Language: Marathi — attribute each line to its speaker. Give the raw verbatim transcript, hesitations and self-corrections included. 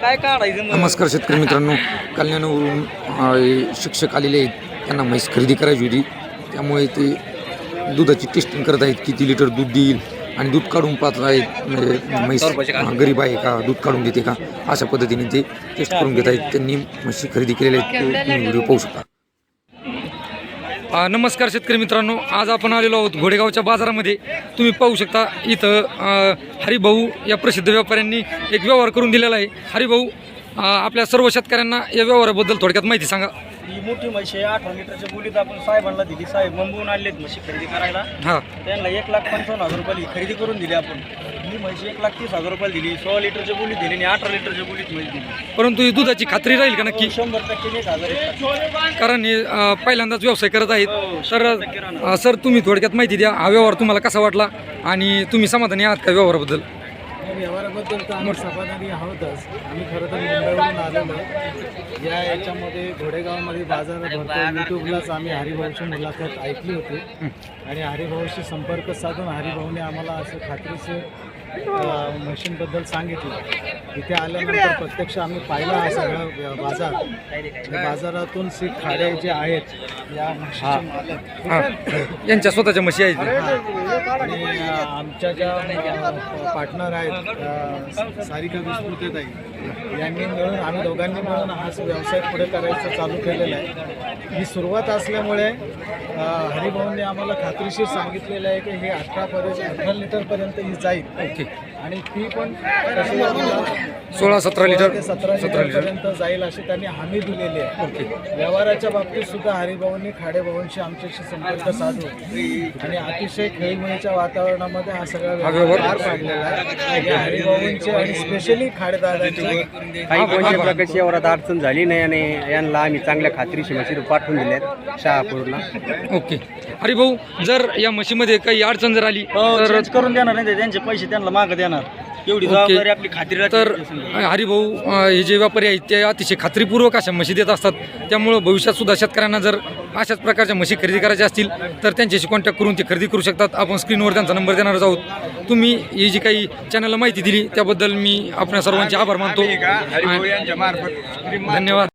Speaker 1: काय काढायचं?
Speaker 2: नमस्कार शेतकरी मित्रांनो, कल्याणवरून अ, शिक्षक आलेले आहेत. त्यांना म्हैस खरेदी करायची होती, त्यामुळे ते दुधाची टेस्टिंग करत आहेत. किती लिटर दूध देईल आणि दूध काढून पाहत आहेत. म्हणजे म्हैस अ, गरीब आहे का, दूध काढून देते का, अशा पद्धतीने ते टेस्ट करून घेत आहेत. त्यांनी म्हशी खरेदी केलेल्या आहेत, ते तुम्ही व्हिडिओ पाहू शकता. अ, नमस्कार शेतकरी मित्रांनो, आज आपण आलेलो आहोत घोडेगावच्या बाजारामध्ये. तुम्ही पाहू शकता इथं अ, हरिभाऊ या प्रसिद्ध व्यापाऱ्यांनी एक व्यवहार करून दिलेला आहे. हरिभाऊ, अ, आपल्या सर्व शेतकऱ्यांना या व्यवहाराबद्दल थोडक्यात माहिती सांगा.
Speaker 1: ही मोठी म्हशी आहे, अठरा लिटरच्या बोलीत आपण साहेबांना दिली. साहेब मुंबईहून आणलेत म्हशी खरेदी करायला.
Speaker 2: हां,
Speaker 1: त्यांना एक लाख पंचावन्न हजार रुपये खरेदी करून दिली आपण. ही म्हशी एक लाख तीस हजार रुपये दिली. सोळा लिटरच्या बोलीत दिली आणि अठरा लिटरच्या बोलीत म्हशी दिली.
Speaker 2: परंतु ही दुधाची खात्री राहील का नक्की?
Speaker 1: शंभर टक्के एक हजार एक.
Speaker 2: कारण हे अ, पहिल्यांदाच व्यवसाय करत आहेत. तर अ, सर, तुम्ही थोडक्यात माहिती द्या, हा व्यवहार तुम्हाला कसा वाटला आणि तुम्ही समाधानी आहात का व्यवहाराबद्दल?
Speaker 3: या व्यवहाराबद्दल तर आम्ही समाधानी आहोतच. आम्ही खरं तर मुंबईवरून आलेलो आहे. या याच्यामध्ये घोडेगावमध्ये बाजार भरतो. यूट्यूबलाच आम्ही हरिभाऊची मुलाखत ऐकली होती आणि हरिभाऊशी संपर्क साधून हरिभाऊने आम्हाला असं खात्रीशीर मशीनबद्दल सांगितलं. इथे आल्यानंतर प्रत्यक्ष आम्ही पाहिला हा सगळा बाजार. या बाजारातून सीट खाडे जे आहेत या म्हशीचे मालक
Speaker 2: हां, यांच्या स्वतःच्या म्हशी आहेत.
Speaker 3: आणि अ, आमच्या ज्या पार्टनर आहेत अ, सारिका विस्मृतीताई यांनी मिळून आम्ही दोघांनी मिळून हा व्यवसाय पुढे करायचं चालू केलेला आहे. ही सुरुवात असल्यामुळे अ, हरिभाऊंनी आम्हाला खात्रीशीर सांगितलेलं आहे की हे अठरापर्यंत अठरा लिटरपर्यंत ही जाईल.
Speaker 2: ओके.
Speaker 3: आणि ती पण तशी आम्हाला
Speaker 2: सोळा सतरा लिटर
Speaker 3: ते सतरा लिटरपर्यंत जाईल अशी त्यांनी हमी दिलेली आहे.
Speaker 2: ओके.
Speaker 3: व्यवहाराच्या बाबतीत सुद्धा हरिभाऊंनी खाडेभाऊंशी आमच्याशी संपर्क साधून आणि अतिशय खेळीमेळीच्या वातावरणामध्ये हा सगळा व्यवहार पार पाडलेला आहे. या हरिभाऊंचे आणि स्पेशली खाडेदादांची
Speaker 4: काही कोणत्या प्रकारची एवढ्यात अडचण झाली नाही आणि यांना आम्ही चांगल्या खात्रीशी म्हशी पाठवून दिल्यात शहापूरला.
Speaker 2: ओके. हरिभाऊ, जर या म्हशीमध्ये काही अडचण जर आली तर
Speaker 1: तर करून देणार नाही ते. त्यांचे पैसे त्यांना मागं देणार. एवढी जबाबदारी आपली खात्री राहते.
Speaker 2: तर हरिभाऊ अ, हे जे व्यापारी आहेत ते अतिशय खात्रीपूर्वक अशा म्हशी देत असतात. त्यामुळं भविष्यात सुद्धा शेतकऱ्यांना जर अशाच प्रकारच्या म्हशी खरेदी करायच्या असतील तर त्यांच्याशी कॉन्टॅक्ट करून ते खरेदी करू शकतात. आपण स्क्रीनवर त्यांचा नंबर देणारच आहोत. तुम्ही ही जी काही चॅनलला माहिती दिली त्याबद्दल मी आपल्या सर्वांचे आभार मानतो. धन्यवाद.